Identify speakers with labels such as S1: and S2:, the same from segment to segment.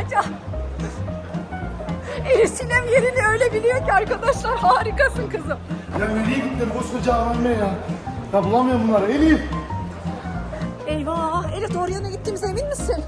S1: ya. Elif Sinem yerini öyle biliyor ki arkadaşlar, harikasın kızım.
S2: Ya nereye gittin koskoca AVM ya? Ya bulamıyorum bunları Elif.
S1: Eyvah, Elif doğru yana gittiğimize emin misin?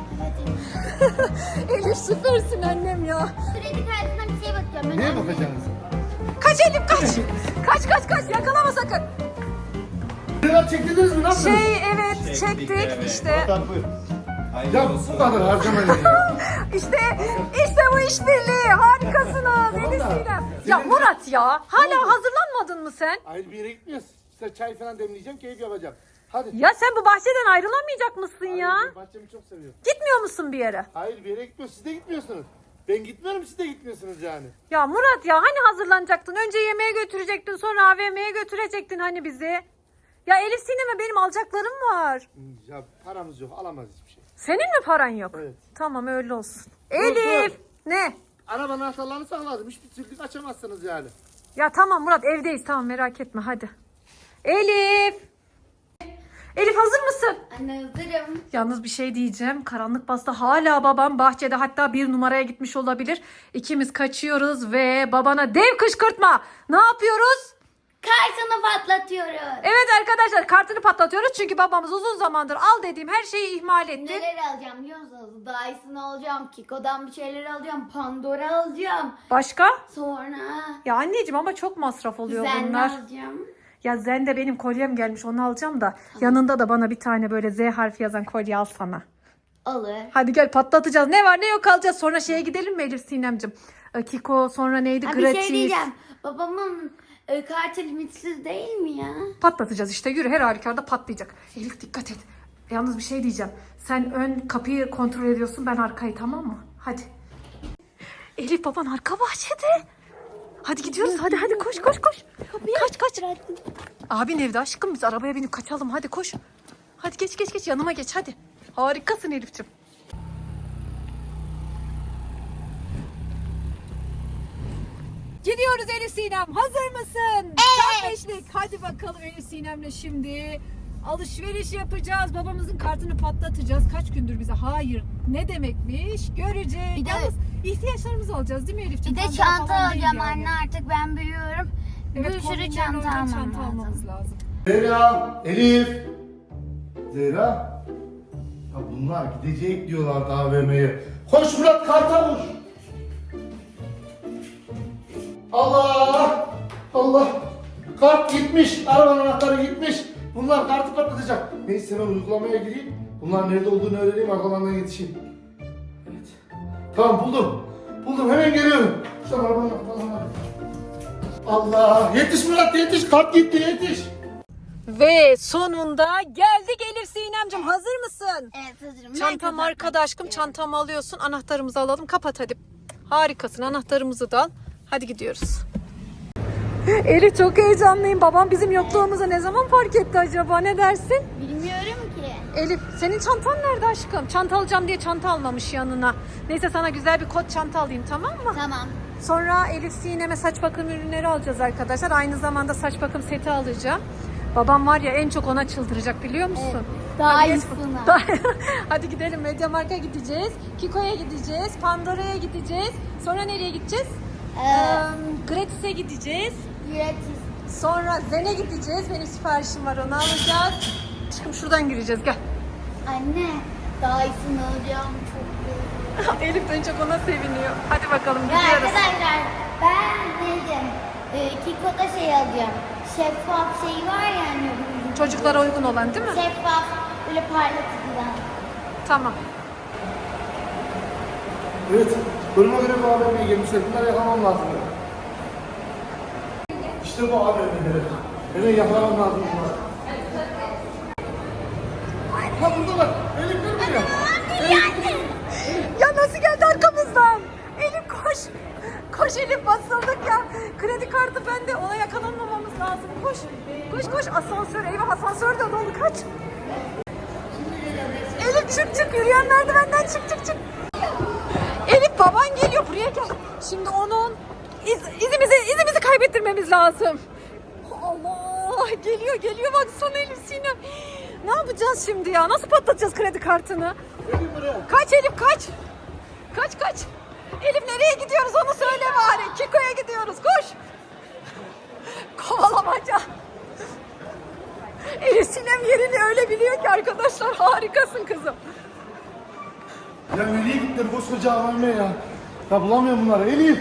S1: Elif süpersin annem ya.
S3: Kredi kartından bir şeye bakıyorum.
S2: Neye bakacaksınız?
S1: Kaç Elif kaç. Kaç yakalama sakın.
S2: Neler çektirdiniz mi? Ne yaptınız?
S1: Evet çektik işte.
S2: Ya bu kadar harcamayın ya.
S1: İşte bu işbirliği, harikasınız Elif Sinem. Ya Murat ya, hala hazırlanmadın mı sen?
S2: Hayır bir yere gitmiyoruz. Size çay falan demleyeceğim, keyif yapacağım. Hadi.
S1: Ya sen bu bahçeden ayrılamayacak mısın ya?
S2: Hayır, ben bahçemi çok seviyorum.
S1: Gitmiyor musun bir yere?
S2: Hayır bir yere gitmiyoruz. Siz de gitmiyorsunuz. Ben gitmiyorum, siz de gitmiyorsunuz yani.
S1: Ya Murat ya, hani hazırlanacaktın? Önce yemeğe götürecektin, sonra AVM'ye götürecektin hani bizi. Ya Elif Sinem'e benim alacaklarım var.
S2: Ya paramız yok, alamayız hiçbir şey.
S1: Senin mi paran yok?
S2: Evet.
S1: Tamam öyle olsun. Elif!
S2: dur.
S1: Ne?
S2: Arabanın anahtarlarını sakladım. Hiçbir türlü açamazsınız yani.
S1: Ya tamam Murat, evdeyiz, tamam merak etme hadi. Elif! Elif hazır mısın?
S3: Anne hazırım.
S1: Yalnız bir şey diyeceğim. Karanlık bastı. Hala babam bahçede, hatta 1 numaraya gitmiş olabilir. İkimiz kaçıyoruz ve babana dev kışkırtma. Ne yapıyoruz?
S3: Kartını patlatıyoruz.
S1: Evet arkadaşlar, kartını patlatıyoruz. Çünkü babamız uzun zamandır al dediğim her şeyi ihmal etti.
S3: Neler alacağım biliyor musunuz? Dyson alacağım, Kiko'dan bir şeyler alacağım, Pandora alacağım.
S1: Başka?
S3: Sonra
S1: Ya anneciğim ama çok masraf oluyor
S3: Zen
S1: bunlar.
S3: alacağım.
S1: Ya Zen'de benim kolyem gelmiş, onu alacağım da. Yanında da bana bir tane böyle Z harfi yazan kolye al sana.
S3: Alır.
S1: Hadi gel patlatacağız. Ne var ne yok alacağız. Sonra şeye gidelim mi Elif Sinemcim? Kiko, sonra neydi?
S3: Ha, bir
S1: Gratis.
S3: şey diyeceğim. Babamın kartı limitsiz değil mi ya?
S1: Patlatacağız işte. Yürü, her halükarda patlayacak. Elif dikkat et. Yalnız bir şey diyeceğim. Sen ön kapıyı kontrol ediyorsun, ben arkayı, tamam mı? Hadi. Elif baban arka bahçede. Hadi gidiyoruz. Hadi koş. Kaç. Abin evde aşkım, biz arabaya binip kaçalım. Hadi koş. Hadi geç yanıma geç hadi. Harikasın Elif'ciğim. Gidiyoruz Elif Sinem. Hazır mısın?
S3: Evet.
S1: Beşlik. Hadi bakalım Elif Sinem'le şimdi alışveriş yapacağız. Babamızın kartını patlatacağız. Kaç gündür bize hayır ne demekmiş göreceğiz.
S3: Bir de-
S1: Yalnız ihtiyaçlarımızı alacağız değil mi Elif'ciğim?
S3: Bir de
S1: Pandora
S3: çanta
S1: falan değil
S3: alacağım
S1: yani.
S3: anne, artık ben büyüyorum.
S1: Evet,
S3: bir sürü
S1: kombinlerle
S3: çanta
S1: uygun
S3: almam
S1: çanta
S3: lazım.
S1: almamız lazım.
S2: Zehra, Elif. Zehra. Ya bunlar gidecek diyorlardı AVM'ye. Koş Murat, karta koş. Allah. Kart gitmiş. Arabanın anahtarı gitmiş. Bunlar kartı patlatacak. Neyse ben uygulamaya gireyim. Bunlar nerede olduğunu öğreneyim, arkalarından yetişeyim. Evet. Tamam buldum. Hemen geliyorum. Şu arabanın anahtarını. Allah. Yetiş Murat yetiş. Kart gitti yetiş.
S1: Ve sonunda geldik Elif Sinem'cim, hazır mısın?
S3: Evet hazırım.
S1: Çantam arkada aşkım, çantamı alıyorsun, anahtarımızı alalım, kapat hadi. Harikasın, anahtarımızı da al. Hadi gidiyoruz. Elif çok heyecanlıyım. Babam bizim yokluğumuzu ne zaman fark etti acaba, ne dersin?
S3: Bilmiyorum ki.
S1: Elif senin çantan nerede aşkım? Çanta alacağım diye çanta almamış yanına. Neyse sana güzel bir kot çanta alayım, tamam mı?
S3: Tamam.
S1: Sonra Elif Sinem'e saç bakım ürünleri alacağız arkadaşlar. Aynı zamanda saç bakım seti alacağım. Babam var ya, en çok ona çıldıracak biliyor musun? Hadi geç-
S3: Dyson'a.
S1: Hadi gidelim, Mediamarkt'a gideceğiz. Kiko'ya gideceğiz. Pandora'ya gideceğiz. Sonra nereye gideceğiz? Gratis'e gideceğiz.
S3: Gratis.
S1: Sonra Zen'e gideceğiz. Benim siparişim var, onu alacağız. Aşkım şuradan gireceğiz, gel.
S3: Anne, Dyson alacağım çok iyi.
S1: Elif de en çok ona seviniyor. Hadi bakalım
S3: Ya
S1: gidiyoruz.
S3: arkadaşlar, ben dedim Kiko'da şey alacağım. Şeffaf şey var ya hani.
S1: Çocuklara uygun olan değil mi?
S3: Şeffaf, böyle parlatıcıdan.
S1: Tamam.
S2: Evet. Duruma göre bu AVM'ye gelmişler. Bunları yakalamam lazım. İşte bu AVM'leri. Hemen yakalamam lazım bunları. Ha buradalar. Elif dur buraya.
S1: Ya nasıl geldi arkamızdan? Elif koş. Koş Elif, basıldık ya. Kredi kartı bende, ona yakalanmamamız lazım. Koş. Asansör, eyvah asansör de dolu, kaç. Elif çık, yürüyen merdivenden çık. Elif baban geliyor, buraya gel. Şimdi onun izimizi kaybettirmemiz lazım. Allah, geliyor baksana Elif Sinem. Ne yapacağız şimdi ya? Nasıl patlatacağız kredi kartını?
S2: Elif buraya.
S1: Kaç Elif kaç. Kaç kaç. Elif nereye gidiyoruz onu söyle bari. Kiko'ya gidiyoruz koş. Kovalamaca. Elif Sinem yerini öyle biliyor ki arkadaşlar, harikasın kızım.
S2: Ya nereye gittin koskoca AVM ya? Ya bulamıyorum bunları Elif.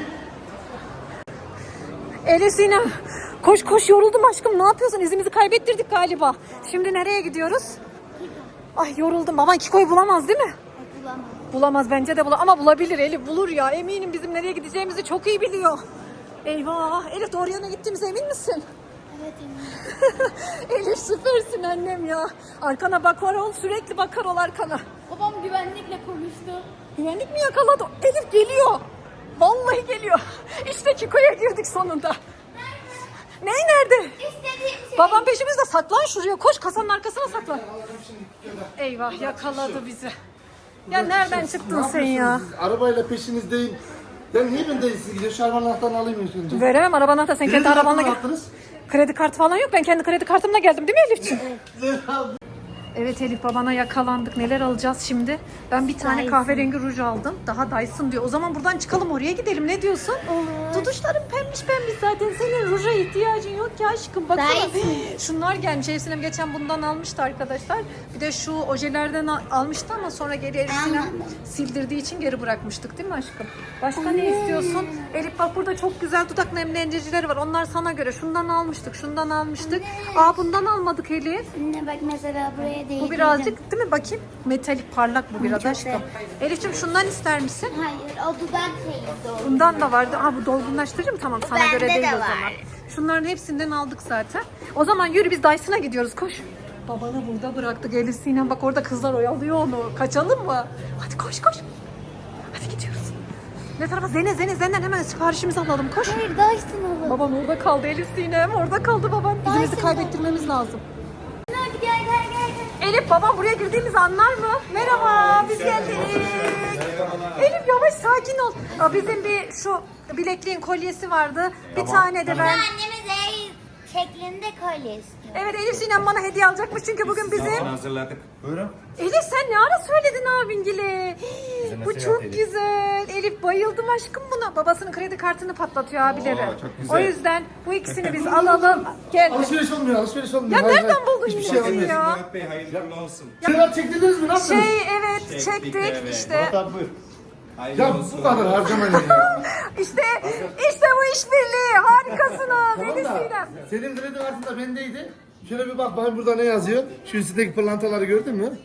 S1: Elif Sinem koş koş, yoruldum aşkım, ne yapıyorsun? İzimizi kaybettirdik galiba. Şimdi nereye gidiyoruz? Ay yoruldum. Baban Kiko'yu bulamaz değil mi?
S3: Bulamam.
S1: Bulamaz, bence de bulamaz ama bulabilir Elif, bulur ya, eminim bizim nereye gideceğimizi çok iyi biliyor. Eyvah Elif, doğru yana gittiğimize emin misin?
S3: Evet eminim.
S1: Elif süpersin annem ya. Arkana bakar ol, sürekli bakar ol arkana.
S3: Babam güvenlikle konuştu.
S1: Güvenlik mi yakaladı? Elif geliyor. Vallahi geliyor. İşte Kiko'ya girdik sonunda. Ney nerede?
S3: İstediğim şey.
S1: Babam peşimizde, saklan şuraya, koş kasanın arkasına saklan. Eyvah yakaladı bizi. Ya nereden çıktın
S2: Ne
S1: sen ya?
S2: yapıyorsunuz siz? Arabayla peşinizdeyim. Ya niye ben de siz gidiyor? Şu arabanın anahtarını alayım ilk önce.
S1: Veremem arabanı da, sen kendi
S2: Kredi
S1: arabanla
S2: kartını
S1: gel.
S2: attınız.
S1: Kredi kartı falan yok, ben kendi kredi kartımla geldim değil mi Elif'ciğim? Evet Elif, babana yakalandık. Neler alacağız şimdi? Ben bir tane
S3: Dyson.
S1: kahverengi ruj aldım. Daha Dyson diyor. O zaman buradan çıkalım, oraya gidelim. Ne diyorsun?
S3: Olur.
S1: Tutuşların pembiş pembiş zaten. Senin ruja ihtiyacın yok ki aşkım. Baksana.
S3: Dyson.
S1: Şunlar gelmiş. Evsinem geçen bundan almıştı arkadaşlar. Bir de şu ojelerden almıştı ama sonra geri Elif'sine
S3: Anladım.
S1: sildirdiği için geri bırakmıştık değil mi aşkım? Başka ne istiyorsun? Elif bak, burada çok güzel dudak nemlendiricileri var. Onlar sana göre. Şundan almıştık, şundan almıştık. Aa bundan almadık Elif.
S3: Anne bak mesela buraya değil.
S1: Bu birazcık değil mi? Bakayım. Metalik parlak bu biraz
S3: çok
S1: aşkım.
S3: güzel.
S1: Elif'ciğim şundan ister misin?
S3: Hayır o dudak şeyi doğru.
S1: Bundan da vardı. Ha bu dolgunlaştırıcı mı? Tamam, sana
S3: Bende
S1: göre değil
S3: de
S1: o zaman.
S3: var.
S1: Şunların hepsinden aldık zaten. O zaman yürü, biz Dyson'a gidiyoruz, koş. Babanı burada bıraktık Elif Sinem. Bak orada kızlar oyalıyor onu. Kaçalım mı? Hadi koş koş. Hadi gidiyoruz. Ne tarafa? Zeyn'den hemen siparişimizi alalım, koş.
S3: Hayır Dyson olur.
S1: Baban orada kaldı Elif Sinem. Orada kaldı baban. İzimizi
S3: Dyson
S1: kaybettirmemiz lazım.
S3: Hadi gel gel gel.
S1: Elif babam buraya girdiğimizi anlar mı? Merhaba, biz geldik. Elif yavaş, sakin ol. Aa, bizim bir şu bilekliğin kolyesi vardı. Bir tane de ben.
S3: Annemiz el şeklinde kolye istiyor.
S1: Evet, Elif Sinem bana hediye alacakmış çünkü bugün bizim.
S4: Hazırladık. Buyurun.
S1: Elif sen ne ara söyledin abingile?
S4: Bize
S1: Bu
S4: nasıl
S1: çok
S4: Elif?
S1: güzel. Elif bayıldım aşkım buna. Babasının kredi kartını patlatıyor abileri.
S4: Oo, çok güzel.
S1: O yüzden bu ikisini biz alalım. Gel.
S2: Alışveriş olmuyor, alışveriş olmuyor.
S1: Ya
S2: Hayır,
S1: nereden
S2: hayır.
S1: buldun
S2: Hiçbir
S1: yine
S2: şey
S1: bunu
S2: olmuyor.
S1: ya?
S4: Murat Bey hayırlı olsun.
S2: Şeyler çektirdiniz mi? Ne yaptınız?
S1: Evet çektik
S4: evet.
S1: işte.
S2: Murat abi buyur.
S4: Hayırlı
S2: Ya
S4: olsun.
S2: bu kadar harcamayın ya.
S1: İşte bu işbirliği. Harikasınız
S2: Tamam
S1: Elif
S2: da
S1: Sinem.
S2: senin kredi kartında bendeydi. Şöyle bir bak bakayım burada ne yazıyor. Şu üstteki pırlantaları gördün mü?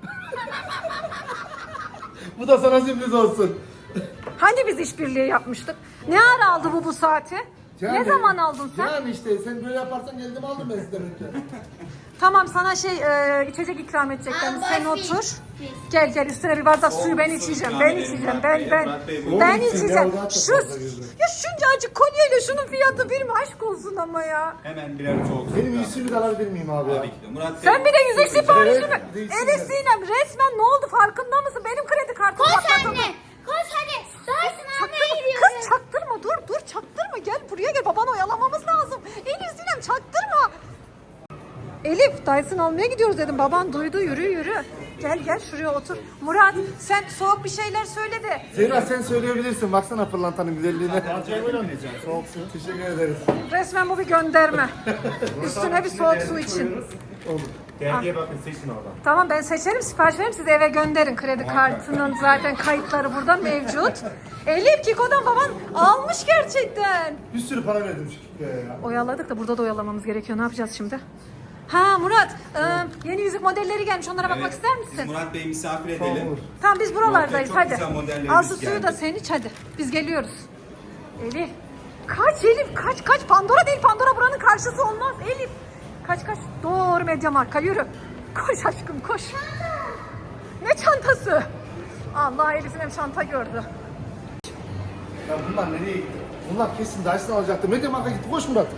S2: Bu da sana sürpriz olsun.
S1: Hani biz işbirliği yapmıştık? Ne ara aldı bu saati? Ne zaman aldın sen?
S2: Yani işte sen böyle yaparsan geldim aldım ben sizden önce.
S1: Tamam, sana içecek ikram edecekler.
S3: Aa,
S1: Sen
S3: Barfi.
S1: otur. Gel üstüne bir bardak suyu ben içeceğim. Ben içeceğim. Ben
S4: Murat Bey, bu
S1: ben
S2: gitsin
S1: içeceğim.
S2: ya, o daha çok
S1: Şu
S2: fazla girdi.
S1: ya şuncacık kolyeyle şunun fiyatı bir mi? Aşk olsun ama ya.
S4: Hemen birer soğuk su.
S2: Benim yüzümü de alabilir miyim abi ya?
S4: Tabii ki de. Murat Bey.
S1: Sen bir de yüzük siparişi mi?
S2: Evet, değilsin
S1: Elif
S2: yani.
S1: Sinem, resmen ne oldu farkında mısın? Benim kredi kartım
S3: Koş
S1: patladı.
S3: anne. Koş hadi. Dyson almaya
S1: Çaktırma.
S3: gidiyoruz.
S1: Kız çaktırma, dur çaktırma, gel buraya gel, babanı oyalamamız lazım. Elif Sinem çaktırma. Elif Dyson almaya gidiyoruz dedim, baban duydu, yürü. Gel şuraya otur. Murat sen soğuk bir şeyler söyle de.
S2: Zeyra sen söyleyebilirsin. Baksana pırlantanın güzelliğine.
S4: Soğuk su.
S2: Teşekkür ederiz.
S1: Resmen bu bir gönderme. Üstüne bir soğuk su için.
S4: Dergiye bakın seçin oradan.
S1: Tamam, ben seçerim, sipariş veririm, siz eve gönderin. Kredi kartının zaten kayıtları burada mevcut. Elif Kiko'dan baban almış gerçekten.
S2: Bir sürü para verdim şu Kiko'ya ya.
S1: Oyaladık da burada da oyalamamız gerekiyor. Ne yapacağız şimdi? Ha Murat, yeni yüzük modelleri gelmiş. Onlara bakmak ister
S4: Biz
S1: misin?
S4: Murat Bey'i misafir
S2: Tamam,
S4: edelim.
S2: olur.
S1: Tamam, biz buralardayız,
S4: Çok
S1: hadi.
S4: güzel modellerimiz
S1: Al şu suyu
S4: geldi.
S1: da sen iç hadi. Biz geliyoruz. Elif. Kaç Elif, kaç. Pandora değil, Pandora buranın karşısı olmaz. Elif. Kaç. Doğru Mediamarkt'a yürü. Koş aşkım koş. Ne çantası? Allah, Elif'in hem çanta gördü.
S2: Ya bunlar nereye gitti? Bunlar kesin Dyson alacaktı. Mediamarkt'a gitti. Koş Murat.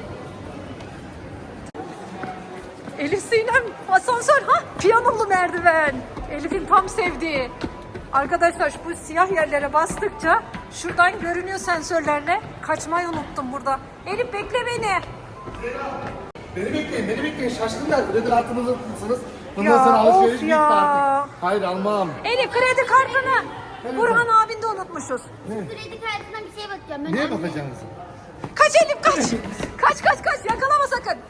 S1: Elif Sinem, asansör, piyanolu merdiven. Elif'in tam sevdiği. Arkadaşlar bu siyah yerlere bastıkça şuradan görünüyor sensörlerle. Kaçmayı unuttum burada. Elif bekle beni.
S2: Beni bekleyin. Şaşkınlar. Kredi kartınızı tutmuşsunuz. Bundan
S1: Ya,
S2: sonra alışveriş
S1: of
S2: bitti
S1: ya.
S2: artık. Hayır almam.
S1: Elif kredi kartını Burhan abin de unutmuşuz.
S3: Kredi kartına bir şey bakacağım. Ben
S2: Neye
S3: anne-
S2: bakacaksınız?
S1: Kaç Elif kaç. Kaç yakalama sakın.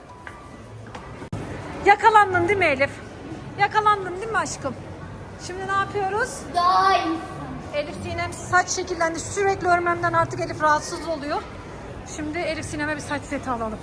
S1: Yakalandın değil mi Elif? Yakalandın değil mi aşkım? Şimdi ne yapıyoruz?
S3: Daha iyi.
S1: Elif Sinem saç şekillendi. Sürekli örmemden artık Elif rahatsız oluyor. Şimdi Elif Sinem'e bir saç seti alalım.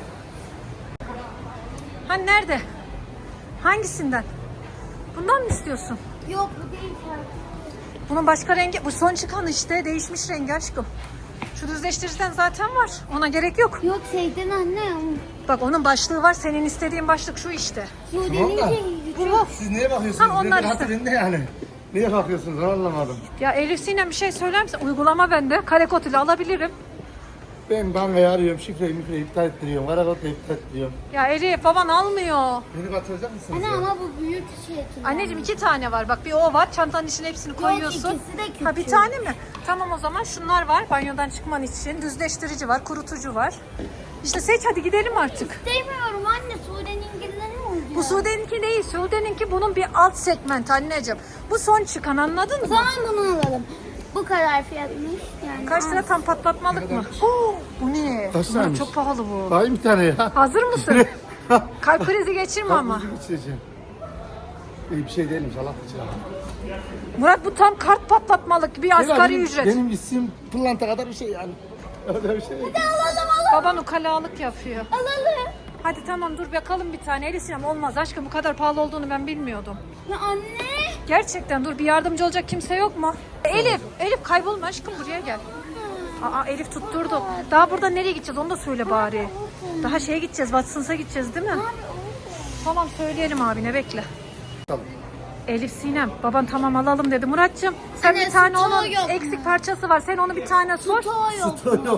S1: Hani nerede? Hangisinden? Bundan mı istiyorsun?
S3: Yok bu değil şarkı.
S1: Bunun başka rengi, bu son çıkan işte değişmiş rengi aşkım. Şu düzleştiriciden zaten var. Ona gerek yok.
S3: Yok şeyden anne.
S1: Bak onun başlığı var. Senin istediğin başlık şu işte.
S3: Sude'nin
S2: Tamam da.
S3: şeyi.
S1: Bu.
S2: Siz neye bakıyorsunuz?
S1: Ha, onlar
S2: Nedir
S1: işte.
S2: hatırında yani? Neye bakıyorsunuz? Ben anlamadım.
S1: Ya Elif Sinem bir şey söyler misin? Uygulama bende. Kare kod ile alabilirim.
S2: Ben bankayı arıyorum, şifreyi iptal ettiriyorum, karakodu iptal ettiriyorum.
S1: Ya Elif baban almıyor.
S2: Beni batıracak mısınız
S3: Anne
S2: ya?
S3: ama bu büyük şey.
S1: Anneciğim 2 tane var. Bak bir o var. Çantanın içine hepsini koyuyorsun.
S3: ikisi de küçük.
S1: Ha bir tane mi? Tamam o zaman şunlar var. Banyodan çıkman için. Düzleştirici var. Kurutucu var. İşte seç hadi gidelim artık.
S3: Sevmiyorum anne. Sude'ninkinden ne oldu?
S1: Bu Sude'ninki değil. Sude'ninki bunun bir alt segment anneciğim. Bu son çıkan anladın
S3: O
S1: mı?
S3: zaman bunu alalım. Bu kadar fiyatmış. Yani
S1: Kaç lira tam patlatmalık mı? Oo, bu ne?
S2: Kaç
S1: Bunlar
S2: liraymış?
S1: çok pahalı bu.
S2: Daha iyi bir tane ya.
S1: Hazır mısın? Kalp krizi geçirme ama.
S2: Kalbinizi geçireceğim. İyi bir şey değilmiş Allah için.
S1: Murat bu tam kart patlatmalık bir asgari ücret.
S2: Benim isim pırlanta kadar bir şey yani. Öyle bir şey.
S1: Baban ukalalık yapıyor.
S3: alalım.
S1: Hadi tamam dur bakalım bir tane. Elif Sinem olmaz aşkım bu kadar pahalı olduğunu ben bilmiyordum.
S3: Ya anne.
S1: Gerçekten dur bir yardımcı olacak kimse yok mu? Elif kaybolma aşkım buraya gel. Aa Elif tutturdu. Daha burada nereye gideceğiz onu da söyle bari. Daha şeye gideceğiz Watson's'a gideceğiz değil mi? Tamam söyleyelim abine bekle.
S2: Tamam.
S1: Elif Sinem baban tamam alalım dedi. Muratcığım sen
S3: Anne,
S1: bir tane
S3: stoğu
S1: onun
S3: yok mu?
S1: eksik parçası var. Sen onu bir tane sor.
S3: Yok.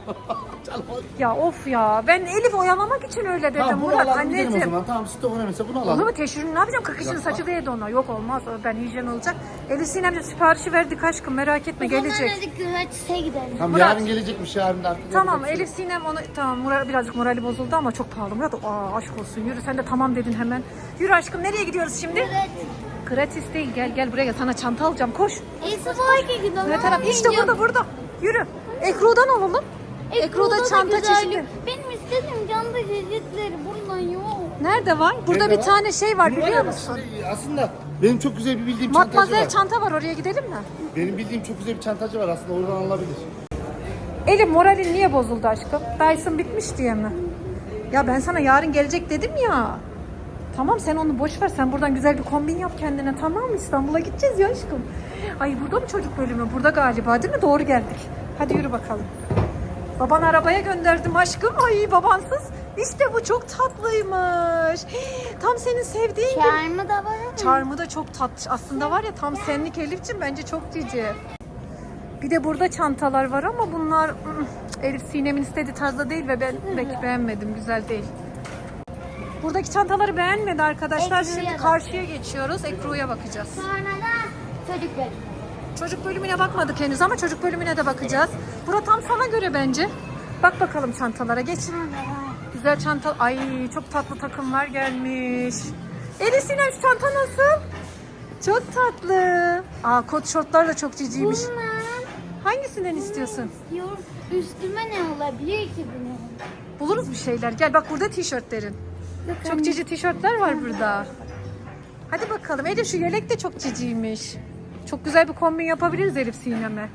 S1: Ya of ya ben Elif oyalamak için öyle dedim
S2: Tamam bunu
S1: Murat
S2: alalım gidelim o
S1: anneciğim.
S2: zaman. Tamam süt önemliyse bunu
S1: Olur
S2: alalım.
S1: mu teşhirini ne yapacağım? 40 yaşında saçı değdi ona. Yok olmaz. Ben hijyen olacak. Elif Sinem'ciğim siparişi verdik aşkım. Merak etme gelecek.
S3: Hadi gratis'e gidelim.
S2: Tamam
S1: Murat.
S2: yarın gelecekmiş yarın da artık.
S1: Tamam
S2: yapacak bir
S1: Elif Sinem onu tamam birazcık morali bozuldu ama çok pahalı Murat. Aa aşk olsun yürü sen de tamam dedin hemen. Yürü aşkım nereye gidiyoruz şimdi?
S3: Evet.
S1: Gratis değil gel buraya gel sana çanta alacağım koş.
S3: Esvaki gidelim.
S1: Ne taraf? İşte burada. Yürü. Ekru'dan alalım. Ekru'da çanta çeşitli.
S3: Benim istediğim çanta çeşitleri buradan yok.
S1: Nerede var? Burada
S2: Nerede
S1: bir
S2: var?
S1: tane şey var
S2: şey.
S1: biliyor musun?
S2: Aslında benim çok güzel bir bildiğim çantacı
S1: Matmazel
S2: var.
S1: çanta var oraya gidelim mi?
S2: Benim bildiğim çok güzel bir çantacı var aslında oradan alabilir.
S1: Elif moralin niye bozuldu aşkım? Dyson bitmiş diye mi? Ya ben sana yarın gelecek dedim ya. Tamam sen onu boş ver. Sen buradan güzel bir kombin yap kendine tamam mı? İstanbul'a gideceğiz ya aşkım. Ay burada mı çocuk bölümü? Burada galiba değil mi? Doğru geldik. Hadi yürü bakalım. Baban arabaya gönderdim aşkım. Ay babansız. İşte bu çok tatlıymış. Tam senin sevdiğin gibi.
S3: Çarmı da var ama.
S1: Çarmı da çok tatlı. Aslında var ya tam senlik Elif'ciğim bence çok cici. Bir de burada çantalar var ama bunlar Elif Sinem'in istediği tarzda değil ve ben pek beğenmedim. Güzel değil. Buradaki çantaları beğenmedi arkadaşlar.
S3: Ekru'ya
S1: Şimdi
S3: bak.
S1: karşıya geçiyoruz. Ekru'ya bakacağız.
S3: Sonra da çocuk bölümü.
S1: Çocuk bölümüne bakmadık henüz ama çocuk bölümüne de bakacağız. Bura tam sana göre bence. Bak bakalım çantalara geç. Güzel çanta. Ay çok tatlı takımlar gelmiş. Elif Sinem şu çanta nasıl? Çok tatlı. Aa kot şortlar da çok ciciymiş.
S3: Bunlar
S1: Hangisinden istiyorsun?
S3: yok. Üstüme ne olabilir ki bunun?
S1: Buluruz bir şeyler. Gel bak burada tişörtlerin. Çok cici tişörtler var burada. Hadi bakalım. Elif şu yelek de çok ciciymiş. Çok güzel bir kombin yapabiliriz Elif Sinem'e.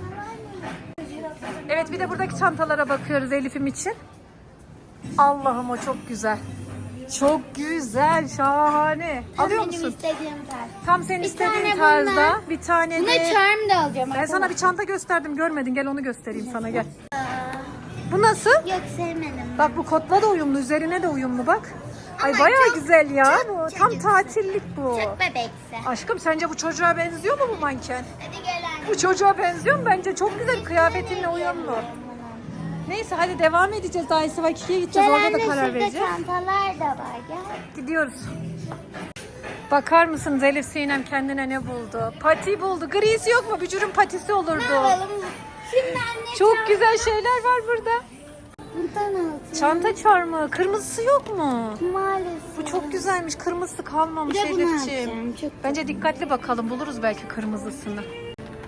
S1: Evet bir de buradaki çantalara bakıyoruz Elif'im için. Allah'ım o çok güzel. Çok güzel, şahane. Alıyor
S3: Benim
S1: musun?
S3: istediğim tarz.
S1: Tam senin
S3: Bir
S1: istediğin
S3: tane
S1: tarzda.
S3: bundan.
S1: Bir tane
S3: Buna
S1: de...
S3: charm da alacağım.
S1: Ben sana bir çanta gösterdim görmedin. Gel onu göstereyim sana gel. Bu nasıl?
S3: Yok sevmedim.
S1: Bak bu kotla da uyumlu, üzerine de uyumlu bak. Ay
S3: Ama
S1: bayağı
S3: çok-
S1: güzel ya
S3: çok
S1: bu. Tam
S3: çocuksu.
S1: tatillik bu.
S3: Çok bebekse.
S1: Aşkım sence bu çocuğa benziyor mu bu manken?
S3: Hadi gel anne.
S1: Bu çocuğa benziyor mu? Bence çok güzel kıyafetinle uyumlu. Neyse hadi devam edeceğiz. Daha Esvaki'ye gideceğiz.
S3: Gel
S1: Orada
S3: anne
S1: da karar
S3: şurada
S1: vereceğiz.
S3: çantalar da var gel.
S1: Gidiyoruz. Bakar mısınız Elif Sinem kendine ne buldu? Pati buldu. Grisi yok mu? Bücürün patisi
S3: Ne
S1: olurdu.
S3: yapalım? Şimdi anne
S1: Çok güzel şeyler var burada.
S3: bundan alacağım.
S1: Çanta çarmı. Kırmızısı yok mu?
S3: Maalesef.
S1: Bu çok güzelmiş. Kırmızısı kalmamış
S3: Bir de bunu
S1: Elif'ciğim.
S3: alacağım, çok
S1: Bence dikkatli bakalım. Buluruz belki kırmızısını.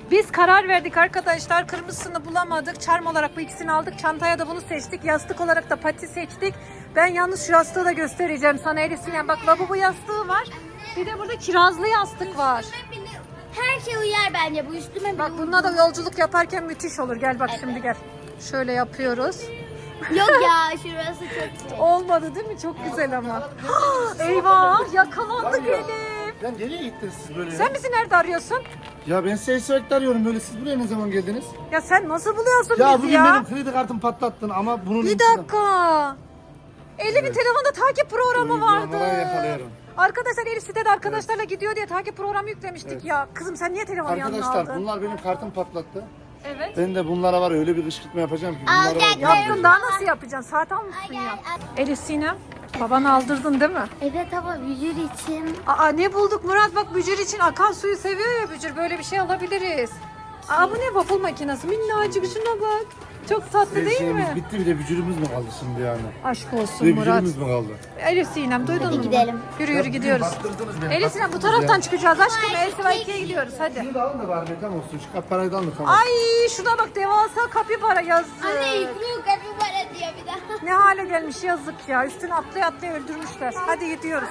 S1: Biz karar verdik arkadaşlar. Kırmızısını bulamadık. Charm olarak bu ikisini aldık. Çantaya da bunu seçtik. Yastık olarak da pati seçtik. Ben yalnız şu yastığı da göstereceğim sana Elif Sinem. Bak lavabo yastığı var. Bir de burada kirazlı yastık var.
S3: Her şey uyar bence bu üstüme bile
S1: Bak bununla da yolculuk yaparken müthiş olur. Gel bak şimdi gel. Şöyle yapıyoruz.
S3: Yok ya şurası çok şey.
S1: Olmadı değil mi? Çok güzel ama. Eyvah yakalandık Elif.
S2: Ya nereye gittiniz siz böyle ya?
S1: Sen bizi nerede arıyorsun?
S2: Ya ben sizi sürekli arıyorum böyle. Siz buraya ne zaman geldiniz?
S1: Ya sen nasıl buluyorsun
S2: Ya
S1: bizi
S2: bugün
S1: ya?
S2: benim kredi kartımı patlattın ama bunun
S1: Bir dakika. Elif'in telefonda takip programı vardı.
S2: Uygulamadan yakalıyorum.
S1: Arkadaşlar Elif sitede arkadaşlarla gidiyor diye takip programı yüklemiştik ya. Kızım sen niye telefonu yanına
S2: Arkadaşlar
S1: aldın?
S2: bunlar benim kartımı patlattı.
S1: Evet.
S2: Ben de bunlara var ya öyle bir kışkırtma yapacağım ki.
S3: Al,
S2: Bunlara
S3: gel,
S2: var.
S1: Yaptın daha nasıl yapacaksın? Saat almışsın
S3: Gel,
S1: ya.
S3: gel.
S1: Elif Sinem babanı aldırdın değil mi?
S3: Evet ama vücut için.
S1: Aa ne bulduk Murat bak Bücür için akan suyu seviyor ya Bücür böyle bir şey alabiliriz. Aa bu ne waffle makinesi minnacık şuna bak. Çok tatlı
S2: Her
S1: değil
S2: şeyimiz
S1: mi?
S2: bitti bir de vücudumuz mu kaldı şimdi yani?
S1: Aşk
S2: Bir
S1: olsun
S2: de
S1: Murat.
S2: vücudumuz mu kaldı?
S1: Elif Sinem duydun
S3: Hadi
S1: mu?
S3: gidelim.
S1: Yürü yürü gidiyoruz.
S2: Baktırdınız beni,
S1: Elif Sinem bu
S2: baktırdınız
S1: taraftan
S2: ya.
S1: çıkacağız aşkım. Elsiva 2'ye gidiyoruz hadi.
S2: Şunu da alın da bari reklam olsun. Şu parayı da alın da tamam.
S1: Ay şuna bak devasa kapibara yazdı.
S3: Anne yüklü kapibara diyor bir daha.
S1: Ne hale gelmiş yazık ya. Üstüne atlaya atlaya öldürmüşler. Hadi gidiyoruz.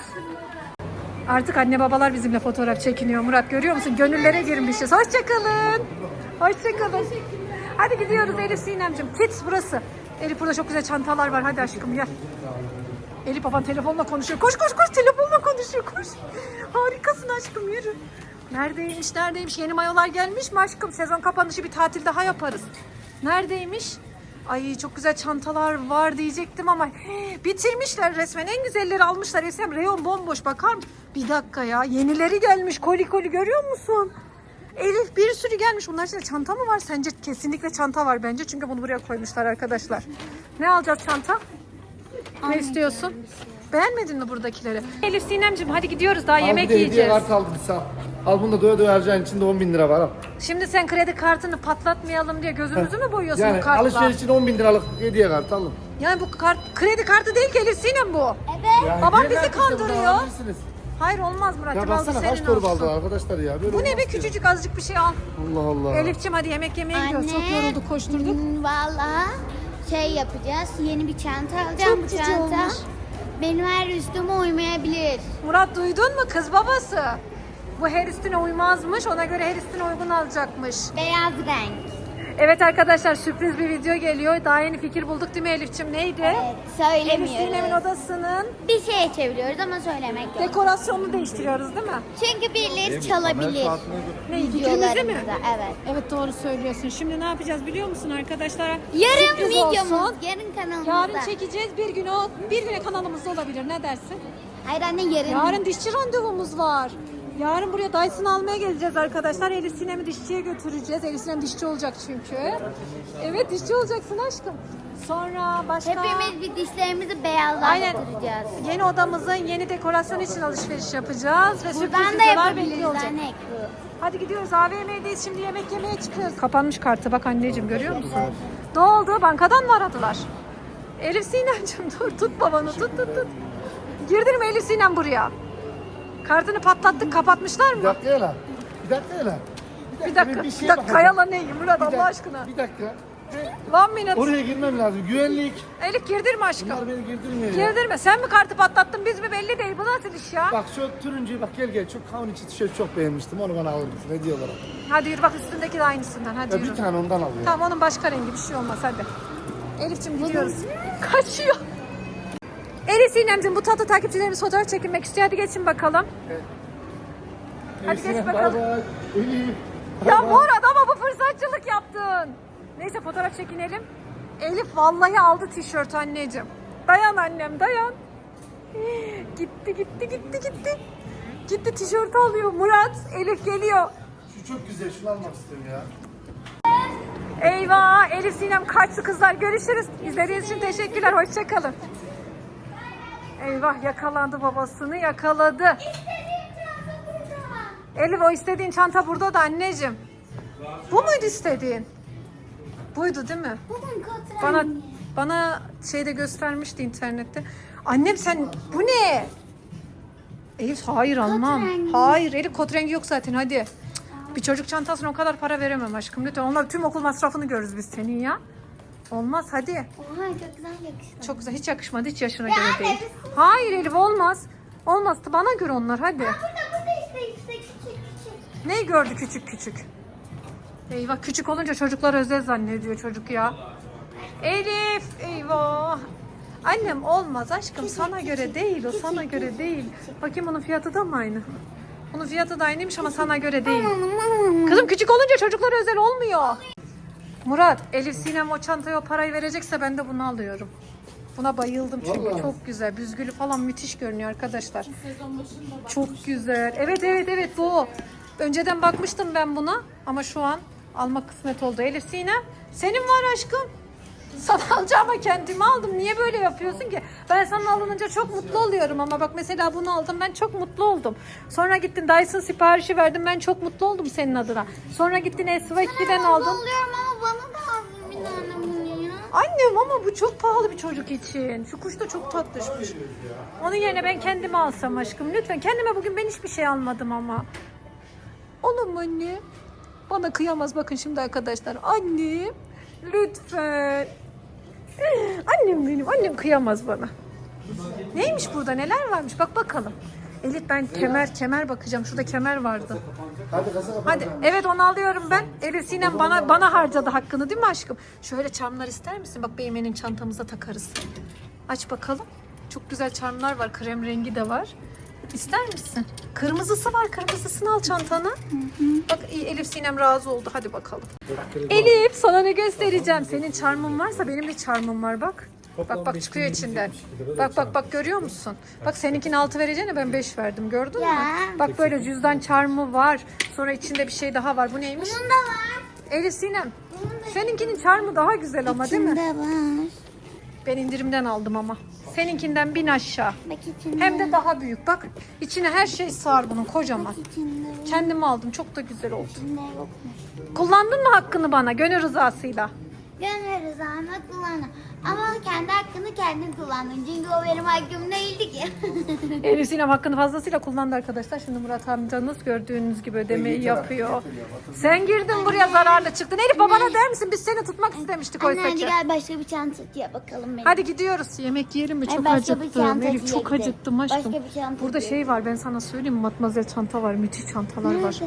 S1: Artık anne babalar bizimle fotoğraf çekiniyor Murat görüyor musun? Gönüllere girmişiz. Hoşçakalın. Hoşçakalın. Hadi gidiyoruz Elif Sinemciğim. Kids burası. Elif burada çok güzel çantalar var. Hadi aşkım gel. Elif baban telefonla konuşuyor. Koş koş koş telefonla konuşuyor koş. Harikasın aşkım yürü. Neredeymiş? Yeni mayolar gelmiş mi aşkım? Sezon kapanışı bir tatil daha yaparız. Neredeymiş? Ay çok güzel çantalar var diyecektim ama bitirmişler resmen. En güzelleri almışlar. Esem reyon bomboş bakar mısın? Bir dakika ya yenileri gelmiş koli koli görüyor musun? Elif bir sürü gelmiş. Bunlar içinde çanta mı var? Sence kesinlikle çanta var bence. Çünkü bunu buraya koymuşlar arkadaşlar. Ne alacağız çanta? Ne istiyorsun? Beğenmedin mi buradakileri? Elif Sinemciğim hadi gidiyoruz daha
S2: Al
S1: yemek
S2: bir de hediye
S1: yiyeceğiz.
S2: kartı aldım sağ. Al bunu da doya doya harcayın. İçinde 10.000 lira var al.
S1: Şimdi sen kredi kartını patlatmayalım diye gözümüzü mü boyuyorsun
S2: Yani
S1: bu kartla?
S2: alışveriş için 10.000 liralık hediye kartı alın.
S1: Yani bu kart kredi kartı değil ki Elif Sinem bu.
S3: Evet.
S2: Yani
S1: Babam
S2: hediye
S1: bizi
S2: kartı işte,
S1: kandırıyor.
S2: bunu alabilirsiniz.
S1: Hayır olmaz Murat'cığım
S2: Ya
S1: aldı
S2: baksana
S1: senin
S2: kaç torba
S1: olsun.
S2: aldılar arkadaşlar ya. Böyle
S1: Bu ne
S2: olmaz
S1: be
S2: ki.
S1: küçücük azıcık bir şey al.
S2: Allah Allah.
S1: Elif'ciğim hadi yemek yemeye gidiyoruz. Çok yorulduk koşturduk.
S3: Valla şey yapacağız. Yeni bir çanta alacağım.
S1: Çok
S3: Bu
S1: cici
S3: çanta
S1: olmuş.
S3: benim her üstüme uymayabilir.
S1: Murat duydun mu kız babası? Bu her üstüne uymazmış ona göre her üstüne uygun alacakmış.
S3: Beyaz renk.
S1: Evet arkadaşlar sürpriz bir video geliyor. Daha yeni fikir bulduk değil mi Elif'ciğim? Neydi?
S3: Evet,
S1: Elif Sinem'in
S3: söylemiyoruz.
S1: odasının
S3: Bir şey çeviriyoruz ama söylemek yok.
S1: dekorasyonunu değiştiriyoruz değil mi?
S3: Çünkü birileri çalabilir.
S1: Ne fikrimizi mi?
S3: Videolarımızda, evet.
S1: Evet doğru söylüyorsun. Şimdi ne yapacağız biliyor musun arkadaşlar?
S3: Yarın
S1: Sürpriz
S3: videomuz,
S1: olsun.
S3: yarın kanalımızda.
S1: Yarın çekeceğiz. Bir güne kanalımızda olabilir. Ne dersin?
S3: Hayır anne yarın.
S1: Yarın dişçi randevumuz var. Yarın buraya Dyson almaya geleceğiz arkadaşlar. Elif Sinem'i dişçiye götüreceğiz. Elif Sinem dişçi olacak çünkü. Evet dişçi olacaksın aşkım. Sonra başka...
S3: Hepimiz bir dişlerimizi
S1: Aynen.
S3: beyazlaştıracağız.
S1: Yeni odamızın yeni dekorasyon için alışveriş yapacağız. Ve sürpriz
S3: Buradan da
S1: videolar
S3: yapabiliriz
S1: bekliyor olacak.
S3: anne.
S1: Hadi gidiyoruz AVM'deyiz şimdi yemek yemeye çıkıyoruz. Kapanmış kartı bak anneciğim görüyor musun? Ne oldu? Bankadan mı aradılar? Elif Sinem'ciğim dur tut babanı tut. Girdirme Elif Sinem buraya. Kartını patlattık kapatmışlar
S2: Bir
S1: mı?
S2: dakika ya lan. Bir dakika ya lan.
S1: Bir dakika.
S2: ben
S1: Bir
S2: şeye
S1: dakika
S2: bakacağım.
S1: yala ne Murat
S2: Bir
S1: Allah
S2: dakika,
S1: aşkına.
S2: Bir dakika.
S1: 1 minute.
S2: Oraya girmem lazım. Güvenlik.
S1: Elif girdirme aşkım.
S2: Bunlar beni girdirmiyor ya.
S1: Girdirme. Sen mi kartı patlattın biz mi belli değil. Bu nasıl iş ya?
S2: Bak şu turuncuyu bak gel. Çok kavun içi tişört çok beğenmiştim. Onu bana alır mısın? Hediye olarak.
S1: Hadi yürü bak üstündeki de aynısından. Hadi
S2: Ya
S1: yürü.
S2: bir tane ondan al ya.
S1: Tamam onun başka rengi bir şey olmaz hadi. Elif'ciğim gidiyoruz. Kaçıyor. Elif Sinem'ciğim bu tatlı takipçilerimiz fotoğraf çekinmek istiyor. Hadi geçin bakalım. Hadi geç
S2: Neyse,
S1: bakalım.
S2: bay bay. Elif.
S1: Ya
S2: bay bay.
S1: Murat ama bu fırsatçılık yaptın. Neyse fotoğraf çekinelim. Elif vallahi aldı tişört anneciğim. Dayan annem dayan. Gitti. Gitti tişört alıyor Murat. Elif geliyor.
S2: Şu çok güzel. Şunu almak istiyorum ya.
S1: Eyvah Elif Sinem kaçtı kızlar. Görüşürüz. İzlediğiniz için teşekkürler. Hoşçakalın. Eyvah yakalandı babasını yakaladı. Elif o istediğin çanta burada da anneciğim. Bu muydu istediğin? Buydu değil mi?
S3: Bugün kontrol.
S1: Bana şeyde göstermişti internette. Annem sen bu ne? Elif hayır almam.
S3: rengi.
S1: Hayır Elif kot rengi yok zaten hadi. Bir çocuk çantasına o kadar para veremem aşkım. Lütfen onlar tüm okul masrafını görürüz biz senin ya. Olmaz hadi.
S3: Oha çok güzel yakıştı.
S1: Çok güzel, hiç yakışmadı, hiç yaşına
S3: Ya
S1: göre
S3: anne,
S1: değil.
S3: biz-
S1: Hayır Elif olmaz. Olmaz, bana göre onlar hadi.
S3: Burada işte küçük.
S1: Neyi gördü küçük küçük? Eyvah, küçük olunca çocuklar özel zannediyor çocuk ya. Elif eyvah. Annem olmaz aşkım, sana göre değil o, sana göre değil. Bakayım onun fiyatı da mı aynı? Onun fiyatı da aynıymış ama sana göre değil. Kızım küçük olunca çocuklar özel olmuyor. Murat, Elif Sinem o çantaya o parayı verecekse ben de bunu alıyorum. Buna bayıldım çünkü
S2: Vallahi.
S1: çok güzel. Büzgülü falan müthiş görünüyor arkadaşlar. Çok güzel. Evet bu. Önceden bakmıştım ben buna ama şu an almak kısmet oldu. Elif Sinem senin var aşkım. Sana alacağıma kendimi aldım. Niye böyle yapıyorsun ki? Ben sana alınınca çok mutlu oluyorum ama bak mesela bunu aldım, ben çok mutlu oldum. Sonra gittin Dyson siparişi verdim, ben çok mutlu oldum senin adına. Sonra gittin Esvekli'den aldın.
S3: Oluyorum ama bana da az bir tane bunu ya.
S1: Annem ama bu çok pahalı bir çocuk için. Şu kuş da çok tatlışmış. Onun yerine ben kendime alsam aşkım. Lütfen kendime bugün ben hiçbir şey almadım ama. Olur mu anne? Bana kıyamaz bakın şimdi arkadaşlar. Annem lütfen. Annem benim. Annem kıyamaz bana. Neymiş burada? Neler varmış? Bak bakalım. Elif ben kemer bakacağım. Şurada kemer vardı.
S2: Hadi kasa kapat.
S1: Hadi evet onu alıyorum ben. Elif Sinem bana harcadı hakkını değil mi aşkım? Şöyle çarmlar ister misin? Bak Beymen'in çantamıza takarız. Aç bakalım. Çok güzel çarmlar var. Krem rengi de var. İster misin? Kırmızısı var. Kırmızısını al çantana. Bak Elif Sinem razı oldu. Hadi bakalım. Elif sana ne göstereceğim? Senin çarmın varsa benim de çarmım var bak. Bak çıkıyor içinden. Bak görüyor musun? Bak seninkini 6 vereceğine ben 5 verdim. Gördün mü?
S3: Ya.
S1: Bak böyle cüzdan çarmı var. Sonra içinde bir şey daha var. Bu neymiş?
S3: Bunun da var.
S1: Elif Sinem. Seninkinin çarmı daha güzel ama değil mi?
S3: İçinde var.
S1: Ben indirimden aldım ama. Seninkinden 1000 aşağı.
S3: Bak içinde.
S1: Hem de daha büyük. Bak içine her şey sığar bunun kocaman.
S3: İçinde.
S1: Kendim aldım. Çok da güzel oldu.
S3: İçinde yokmuş.
S1: Kullandın mı hakkını bana gönül rızasıyla?
S3: Gönleriz Ahmet kullandı. Ama kendi hakkını kendin kullandın. Çünkü o benim hakkım değildi ki.
S1: Elif Sinem hakkını fazlasıyla kullandı arkadaşlar. Şimdi Murat amcanız gördüğünüz gibi ödemeyi yapıyor. Sen girdin buraya zararlı çıktın. Elif babana der misin? Biz seni tutmak istemiştik
S3: Anne
S1: oysa
S3: hadi
S1: ki.
S3: gel başka bir çantaya bakalım. Benim.
S1: Hadi gidiyoruz. Yemek yiyelim mi?
S3: Ay,
S1: Çok
S3: başka bir
S1: acıktım.
S3: çantacıya
S1: Elif çok
S3: gidelim.
S1: acıktım aşkım.
S3: Başka bir çantacıya
S1: Burada şey var ben sana söyleyeyim mi? Matmazel çanta var. Müthiş çantalar var.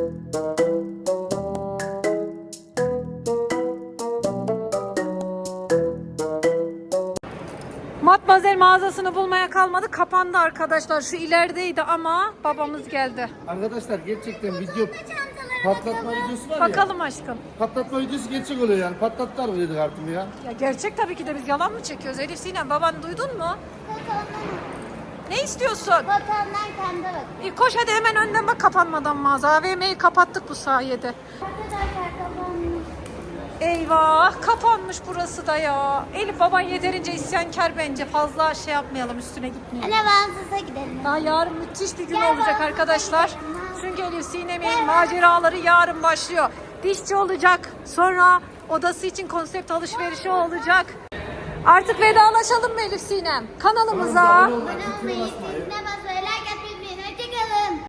S1: Matmazel mağazasını bulmaya kalmadı. Kapandı arkadaşlar. Şu ilerideydi ama babamız geldi.
S2: Arkadaşlar gerçekten video patlatma videosu var ya.
S1: Bakalım aşkım.
S2: Patlatma videosu gerçek oluyor yani. Patlattılar mı dedik artık ya.
S1: Ya gerçek tabii ki de biz yalan mı çekiyoruz? Elif Sinem baban duydun mu? Ne istiyorsun?
S3: Vatandan kendi bak.
S1: Koş hadi hemen önden bak kapanmadan mağaza. AVM'yi kapattık bu sayede.
S3: Arkadaşlar kapanmış.
S1: Eyvah kapanmış burası da ya. Elif baban yeterince isyankar bence. Fazla şey yapmayalım üstüne gitmeyelim.
S3: Anne Bağımsız'a gidelim.
S1: Daha yarın müthiş bir gün
S3: Gel
S1: olacak
S3: baba,
S1: arkadaşlar.
S3: gidelim.
S1: Çünkü Elif Sinem'in maceraları yarın başlıyor. Dişçi olacak. Sonra odası için konsept alışverişi olacak. Artık vedalaşalım mı Elif Sinem? Kanalımıza.
S3: Abone olmayı, zilini basmayı